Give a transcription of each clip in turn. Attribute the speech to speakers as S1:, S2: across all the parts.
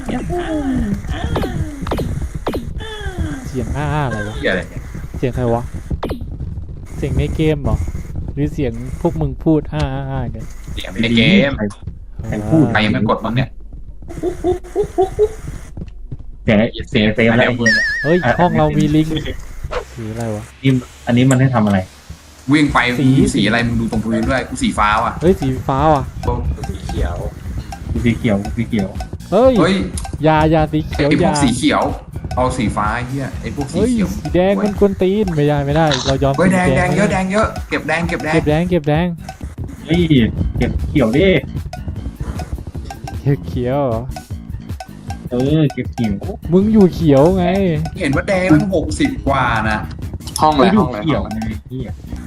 S1: เสียงอะไรวะ
S2: เหี้ยอะไรเนี่ย
S1: เสียงใครวะเสียงในเกมเหรอหรือเสียงพวกมึงพูดกัน
S2: เสียงในเกม
S3: ใครพูด
S2: ใครยังไม่กดบ้างเนี่ย
S3: เสียงเสียงเซฟแล้ว
S1: เฮ้ยห้องเรามีลิงสีอะไรวะ
S3: อันนี้มันให้ทำอะไร
S2: วิ่งไป
S1: สี
S2: สีอะไรมึงดูตรงพื้นด้วยกูสีฟ้าว่ะ
S1: เฮ้ยสีฟ้าว่ะ
S4: สีเขียว
S3: สีเขียวสีเขียว
S1: เฮ้ย
S2: เฮ้ย
S1: ยาสีเขียว
S2: ไอพวก
S1: ยา
S2: สีเขียวเอาสีฟ้าไอ้เหี้ยไอพวกสี
S1: เฮ้ย
S2: เขียว
S1: สีแดงมันกวนตีนไม่ได้เรายอม
S2: เฮ้ยแดง
S1: สี
S2: แดงเยอะแดงเยอะเก็บแดง
S1: เก็บแดง
S3: เฮ้ยเก็บเขียวดิ
S1: เขียวเหรอ
S3: เก็บเขียว
S1: มึงอยู่เขียวไง
S2: เห็นว่าแดงมัน60 กว่านะ
S4: ห้องอะไร
S3: ไม่ดู
S4: ห้องอะไร
S3: เขียวไงพี่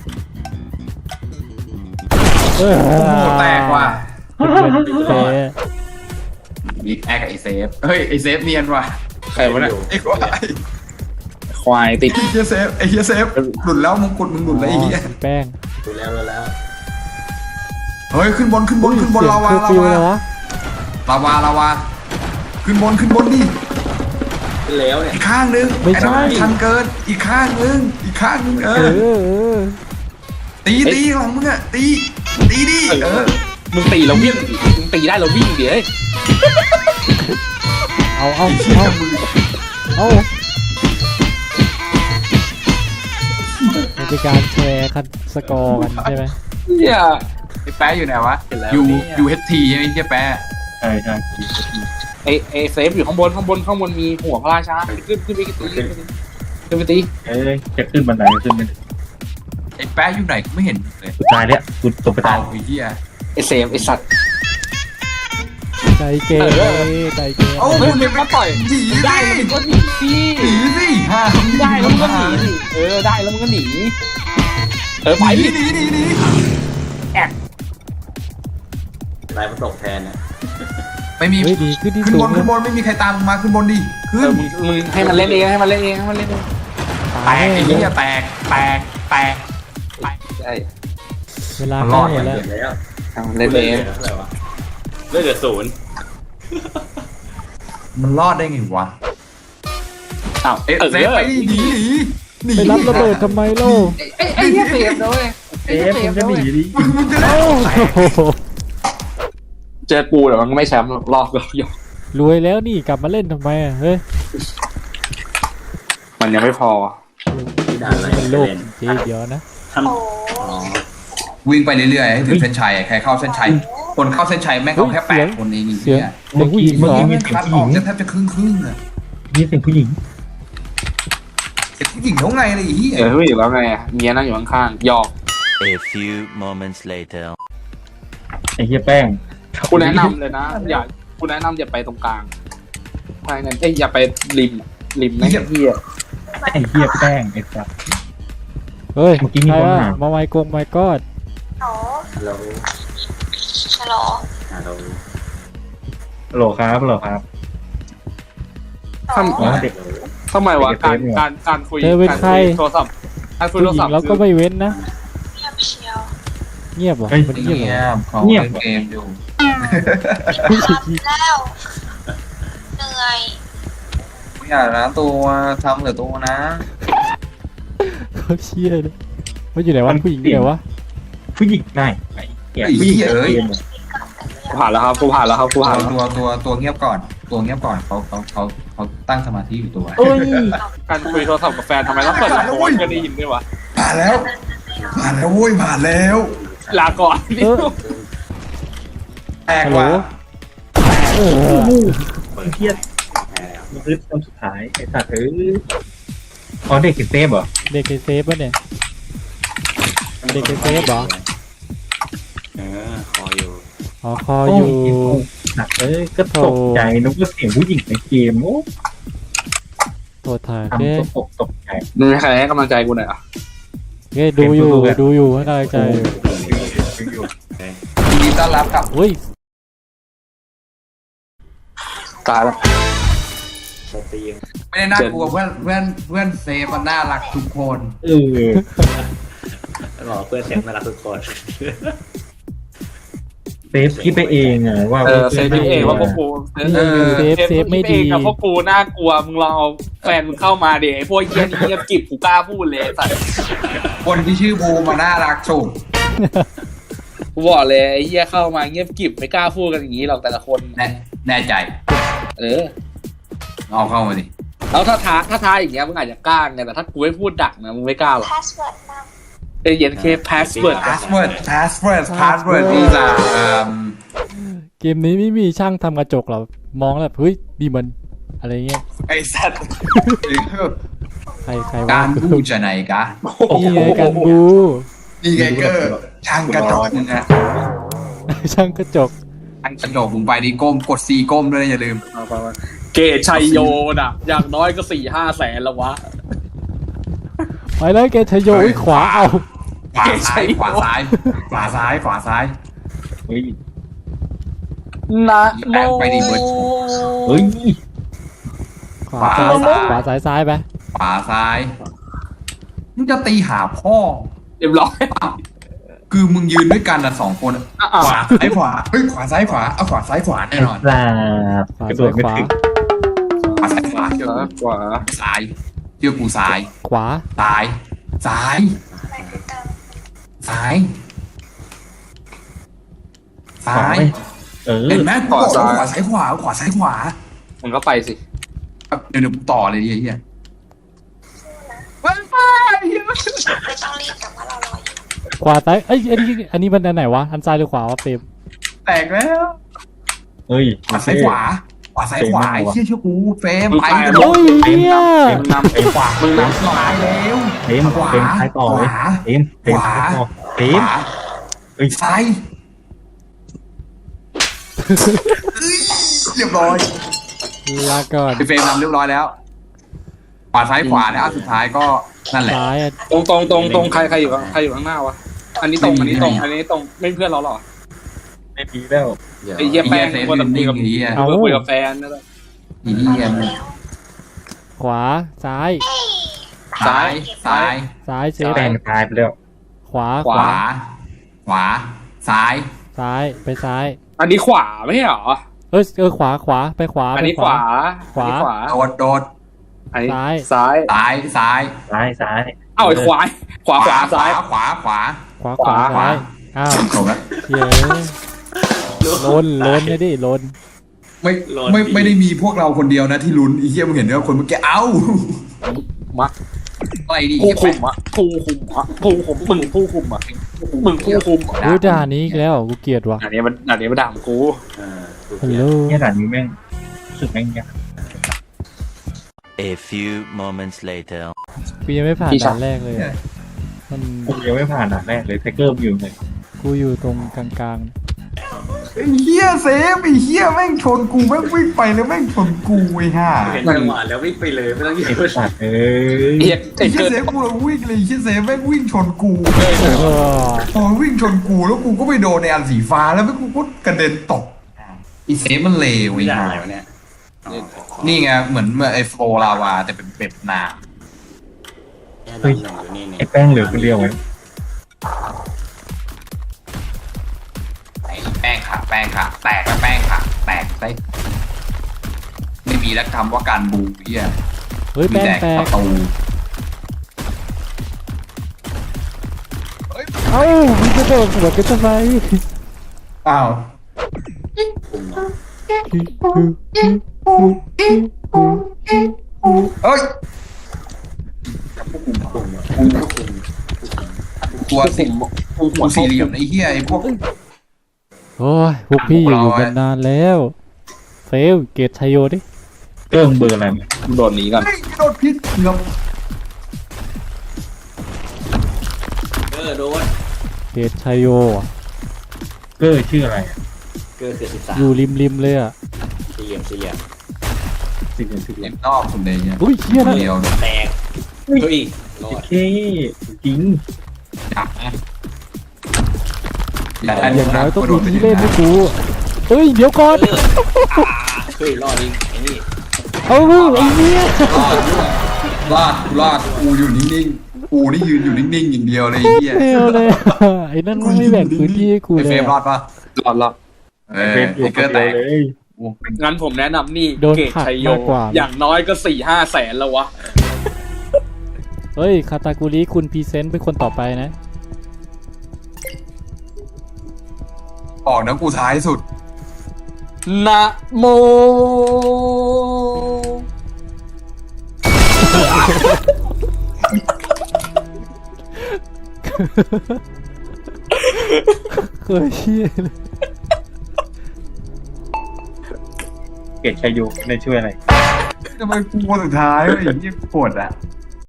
S1: เออ
S2: โอ้โหแตกว่ะ
S1: เซ่
S2: บิ๊กแอคกับไอเซฟเฮ้ยไอเซฟเนียนว่ะ
S4: ใครวะเนี่ย
S2: ไอ้ควาย
S4: ควายติด
S2: ไอ้เฮียเซฟไอ้เฮียเซฟหลุดแล้วมงกุฎมึงหลุดแล้วไอ้เฮีย
S1: แป้ง
S4: ดูแล้ว
S2: เฮ้ยขึ้นบนลาวา
S1: ฟิวเลยวะ
S2: ลาวาขึ้นบนดิ
S4: แล้วเนี่ย
S2: อีกข้างนึง
S1: ไม่ใช่
S2: อ้นั่นชันเกินอีกข้างนึงเอ
S1: เอ
S2: อ
S1: อ
S2: ตีหลังมึงอะตีดิเออ
S4: มึงตีเราวิ่งมึงตีได้เราวิ่งเดี๋ยว
S1: เอา
S2: ไอ้เหี้ยมึง
S1: มันเป็นการแชร์คันสกอร์กันใช่ไหม
S4: เนี่ย
S2: ไอ้แป๊ะอยู่ไหนวะ
S4: เห็นแล้ว
S2: อยู่
S4: เนี่ย
S2: อยู่เฮทีใช่ไหมไอ้เฮียแป๊ะ
S3: ใช่
S4: ไอเซฟอยู่ข้างบนมีหัวพระราชาขึ้นไปตี
S3: จะขึ้นบันไดขึ้นไป
S2: ไอ้แป๊ะอยู่ไหนกูไม่เห็นเลย
S3: สุดท้ายเนี่ยกูตกไปตา
S2: เอา
S3: ย
S2: ไอ้เฮีย
S4: ไอเซฟไอสัตว์
S1: ใจเกมใจเกม
S2: เอา
S4: มึงมาต่อย
S2: หนี
S4: ได้แล้วมึงก็หนีสิ
S2: สิห้า
S4: ได้แล้วมึงก็หนีได้แล้วมึงก็หนีไป
S2: หนี
S4: ลายมันตกแทนนะ
S2: ไม่มี
S1: เฮ้ยดีขึ้นที่
S2: ขึ้น
S1: สู
S2: บ
S1: ง
S2: นไม่มีใครตามมึงมาขึ้นบนดิขึ้น
S4: มึงให้มันเล่นเองให้มันเล่นเอง
S2: แตกไอ้เหี้ยแตก
S4: ใช่
S1: เวลาเข้าหมดแล้ว
S4: เล่นเอง
S5: เลือดศูนย์
S2: มันรอดได้ไงวะ
S4: อ้าว
S2: เอ๊ะเซฟไปหนี
S1: ไปรับระเบิดทำไมเล่า
S4: ไอ้เหี้ยเซฟด้วย
S3: ผมจะหนีดิ
S2: มึงจะได้
S4: เจอกูเดี๋ยวมันไม่แชมป์รอบก็ยก
S1: รวยแล้วนี่กลับมาเล่นทำไมเฮ้ย
S4: มันยังไม่พอ
S5: ด่านอะไร
S1: เป็นโลกเจ๊เดียวนะ
S2: วิ่งไปเรื่อยๆให้ถึงเส้นชัยใครเข้าเส้นชัยคนเข้าเส้นชัยแม่งเอาแค่8 คนเอง
S1: เสียง
S2: เนี่ย
S1: เสียงผู้หญิงเหรอ
S3: มีเสียง
S2: คัด
S3: ผู้
S2: อ
S3: หญิ
S2: อก
S3: ง
S2: จะแทบจะครึ่งอะ
S3: มีเสียงผู้หญิง
S2: เด็กผู้หญิงเท่าไงเลยไอ้เหี้ย
S4: ไม่อยู่แล้วไงเมียนั่งอยู่ข้างๆยอก
S6: A few moments later.
S3: ไอ้เหี้ยแป้ง
S4: กูแนะนำเลยนะกูแนะนำอย่าไปตรงกลางใช่นั่นอย่าไปริมนะเฮีย
S3: ไอ้เหี้ยแป้งไอ้สัส
S1: เฮ้ย
S3: เมื่อกี้มี
S1: ใคร
S3: คน
S1: อะ
S3: ถาม
S1: มาไมค์กงไมค์กอด
S5: ฮัลโหล
S7: ฮัลโหล
S5: ฮัลโหล
S3: โหลครับอ๋อเด็ก
S4: ทำไมวะการคุยโทรศัพท์การคุย
S1: ผู้
S4: โทร
S1: หญิ
S4: ศัพ
S1: ง
S4: ท์
S1: เราก็ไม่เว้นนะ
S7: เงียบเชียว
S1: เงียบเหรอมันเงียบเหรอ
S2: เขาเล่นเกมอยู่
S7: แล้ว เหนื่อย
S2: อย่านะตัวทำเหลือตัวนะ
S1: เขาเชี่ยเลยว่าอยู่ไหนวะผู้หญิงอยู่ไหนวะ
S3: ผู้หญิงได้ไอ้เหี้ยผู้หญิงเอ้ย
S4: ผ่านแล้วครับกูผ่านแล้ว
S2: ตัวเงียบก่อนเขาตั้งสมาธิอยู่ตัว
S4: การคุยโทรศัพท์กับแฟนทำไมต้องเปิดลำโพงกันได้ยินด้วยวะ
S2: ผ่านแล้วโว้ยผ่านแล้ว
S4: ลาก่อน
S2: แตก
S1: ฮัลโหล
S2: ว่ะ
S1: เออ
S3: ไอ้เหี้ยมันคือตอนสุดท้ายไอ้สัสอ๋อเด็กติดเซฟเหรอ
S1: เด็กในเซฟปะเนี่ยเด็กในเซฟเหรอ
S5: คออยู่
S1: อ๋อคออยู่
S3: หนักก็ตกใจนึกว่าเสียงผู้หญิงในเกมโอ้
S1: โทษทาง
S3: ทำ
S1: เก้
S3: ตกใจ
S4: มึงใครให้กำลังใจกูหน่อยอ่ะ
S1: เก้ดูอยู่ให้กำลังใจ
S2: ยินดีต้อนรับกับ
S1: อุ้ย
S4: ตายแล้ว
S5: สตรีม
S2: ไม่ได้น่ากลัวเพื่อนเซฟมันน่ารักทุกคน
S5: แล้วบอกเพื่อนเสียงน่ารักทุกคน
S3: เซฟคิดไปเองอะว่า
S4: เซฟเองว่าพวกกูเซฟไม่ดีกับพวกกูน่ากลัวมึงลองเอาแฟนมึงเข้ามาเดี๋ยวไอ้พวกเยี่ยนี่เงียบกิบกูกล้าพูดเลยสัตว์
S2: คนที่ชื่อบูมาน่ารักสุด
S4: กูบอกเลยไอ้เหี้ยเข้ามาเงียบกิบไม่กล้าพูดกันอย่างนี้หรอกแต่ละคน
S2: แน่ใจ
S4: เออ
S2: เอาเข้ามาดิ
S4: แล้วถ้าท้าอย่างเงี้ยมึงอาจจะกล้าไงแต่ถ้ากูไม่พูดดักนะมึงไม่กล้าหรอก
S7: พาสเวิร์ดน
S4: เย็นเคพาสเวิร์ด
S2: password these are
S1: เกมนี้ไม่มีช่างทำกระจกหรอมองแล้วเฮ้ยมีมันอะไรเงี้ย
S2: ไอ้สัตว์
S1: ใคร
S2: กา
S1: ว่าร
S2: บูจะไหนกะ
S1: นี่ไงกันบู
S2: นี่ไงเกอร์ช่างกระจกมึงนะ
S1: ช่างกระจก
S2: ช่างกระจกมึงไปดิก้มกดซีก้มด้วยนะอย่าลืม
S4: เกตชัยโยน่ะอย่างน้อยก็ 4-5 แสนแล้ววะ
S1: ไปเลยแกชโยอุ๊ยขวาเอา
S2: ขวาซ้ายขวาซ้ายขวาซ้ายขวาซ้าย
S3: เฮ้ย
S4: นะโม
S2: ไปดิเบิร์ด
S3: เฮ้ย
S1: ขวาซ้ายไป
S2: ขวาซ้ายมึงจะตีหาพ่อ
S4: เรียบร้อย
S2: คือมึงยืนด้วยกันนะ2 คน ขวาซ้ายขวาเฮ้ยขวาซ้ายขวาเอาขวาซ้ายขวาแน่นอน
S3: ปลาบ
S1: ขวาก
S3: ระโดดไม่
S1: ขวา
S3: ถึง
S2: ขวาซ้ายขวาเชื่อกู
S4: ขวา
S2: ซ้ายเชื่อกูซ้าย
S1: ขวา
S2: ซ้ายซ้าย
S7: ำไหนคือการ
S2: ซ้ายซ้าย
S3: เออ
S2: เห็นไหมกูบอกแล้วขวาซ้ายขวาขวาซ้ายขวา
S4: มึงก็ไปสิ
S2: เดี๋ยวกูต่อเลยดิไอ้เหี้ย
S7: ไม่ต้องรีบแต่ว่าเรารออยู่
S1: ขวาซ้ายเอ้ยอันนี้มันอันไหนวะอันซ้ายหรือขวาวะเฟรม
S2: แตกแล้ว
S3: เฮ้ย
S2: ขวาซ้ายขวาขวาซ้ายขวาไอ้เชี่ยเชื่อกูเฟรมไป
S1: โอ้ยเนี่ย
S4: มึงนำ
S3: เต็มขวา
S2: มึงนำขวาแล้ว
S3: เต็มเต็มท้ายต่อเลยเต็มเต็มท้ายต่อเต็
S2: ข
S3: ม
S2: วา
S3: เฮ้ย
S2: ซ้ายเรียบร้อย
S1: ลาก่อน
S2: เฟรมนำเรียบร้อยแล้วขวาซ้ายขวาแล้วสุดท้ายก็นั่นแหละ
S1: ซ้ายอะ
S4: ตรงใครอยู่ข้างหน้าวะอันนี้ตรงไม่เพื่อนเราหรอ
S3: ไม่มีแล้ว
S4: ไอ้เหี้ยแป้ง
S2: เซฟ
S4: คน
S2: ยื
S4: ละ
S2: น
S4: คุย
S2: นิ่ง
S4: กับ
S2: ไอ้เหี้ย
S4: คุยกับแฟนนั่นแหละ
S2: ไอ้เหี้ย
S7: แล้ว
S1: ขวาซ้าย
S2: ซ้ายซ้าย
S1: ซ้ายเซฟ
S3: แปลงตายไปแล้ว
S1: ขวา
S2: ขวา ขวา ซ้าย
S1: ซ้ายไปซ้าย
S4: อันนี้ขวาไม่ใช่หรอ
S1: ขวาไปขวา
S4: อันนี้ขวา
S2: โดดโดด
S4: อันนี้
S1: ซ้าย
S4: ซ้าย
S2: ซ้ายซ้าย
S3: ซ้าย
S4: เอ้าไอ้ขวาซ้าย
S2: ขวาขวา
S1: ขวาซ้ายอ้าว
S2: จบแล้ว
S1: เย้ล้นเลยดิล้น
S2: ไม่ได้มีพวกเราคนเดียวนะที่ลุ้นไอ้เหี้ยมึงเห็นด้วยคนเมื่อกี้เอ้า
S4: มัก
S2: อะไรดิ
S4: ผู้คุมมึงผู้คุมอ่ะ
S1: ดูด่านนี้อีกแล้วกูเกลียดว่ะ
S4: อันนี้มันด่ากู
S1: ฮัลโหล
S3: เนี่ยด่านนี้แม่งรู้สึกแม่งยาก
S6: A few moments later.
S1: กูยังไม่ผ่านด่านแรกเลยอะมัน
S3: กูยังไม่ผ่านด่านแรกเลยไทเกอร์อยู่เลย
S1: กูอยู่ตรงกลาง
S2: ไอ้เหี้ยเซฟไอ้เหี้ยแม่งชนกูแม่งวิ่งไปแล้วแม่งชนกูไอ้ห่า
S5: เห็นจังหวะแล้ววิ่งไปเลยไม่ต้องยื
S3: ไอ้
S5: น
S3: สัตว์เอ้ย
S4: เหี้ย
S2: ไอ้
S4: ไอ้
S2: เหี้ย
S4: เกิด
S2: เซฟกูเลยวิ่งเลยไอ้เหี้ยเซฟแม่งวิ่งชนกู
S1: ๆเออ
S2: พอวิ่งชนกูแล้วกูก็ไปโดนในอันสีฟ้าแล้วแม่งกูก็กระเด็นตกไอ้เซฟมันเลว
S5: ไม่
S2: ไอ้
S5: ได้
S2: ห่า
S5: วะเนี่ย
S2: นี่ไงเหมือนไอ้โฟลาวาแต่เป็นเป็ดน้
S5: เฮ้ยนี่
S3: ไอ้แป้งเหลือคนเดียวไว้
S2: ำไอ้แป้งค่ะแป้งค่ะแตกแล้วแป้งค่ะแตกไปไม่มีแล้วคำว่าการบูเหี้ย
S1: เฮ้ย
S2: มี
S1: แป้ง
S2: แต่
S1: แต
S2: ป
S1: ก
S2: ระตู
S1: เอ้ามึงจะโดนหัวกันทำไม
S2: อ้าว เอ้ยตัวสิหัวสี่เหลี่ยมไอ้เหี้ยไอ้พวก
S1: โอ้ยพวกพี่อยู่กันนานแล้วเฟลเกตชัยโยดิ
S3: เกิ้งเบอร์อะไรเนี่ย
S4: โดนนี้ก่อน
S2: เฮ้ยโดนพิษเกือบ
S5: โดน
S1: เกตชัยโยอะ
S3: เกอร์ชื่ออะไรอะ
S5: เกิด13
S1: อยู่ริมเลยอ่ะ
S5: สี่เหลี่ยม
S3: สิ่งอย่างสิ่งอ
S2: เห็
S3: ย่าง
S2: นนอกสุดเลยเนี่ย
S1: อุ้ยเฮียนะ
S2: เดียว
S5: แตกเฮ้ยรอ
S3: โอ
S5: ด
S3: เคจริง
S2: จับนะอย่า
S1: อย่างน้อยต้องมีที่เล่นให้กูเฮ้ยเดี๋ยวก่อน
S5: เฮ้ยรอดอีกไอ้นี่
S1: เอาไอ้เนี่ย
S2: รอดกูอยู่นิ่งๆกูนี่ยืนอยู่นิ่งๆอย่างเดียวเลยไอ้เหี้ย
S1: เฟลเลยไอ้นั่นมันไม่แบ่งพื้นที่ให้กู
S2: ไอ้
S1: เล
S2: เฟร
S1: ย
S2: มรอดปะ
S4: หลอด
S3: เป็นอยู่
S2: ไอ้เกอร์แตก
S3: เลย
S2: โอ้เป็น
S4: งั้นผมแนะนำนี่
S1: โดน
S4: เกต
S1: ผลัก
S4: ชัยโย
S1: มากกว่า
S4: อย่างน้อยก็4-5 แสนแล้ววะ
S1: เฮ้ย คาตากุริคุณพรีเซนต์เป็นคนต่อไปนะ
S2: ออกนะกูท้ายสุด
S4: นะโม
S1: เคยเชี่ยเลย
S3: เกตชัยโยในช่วยอะไร
S2: ทำไมกูคนสุดท้ายวะไอ้เหี้ยปวดอ่ะ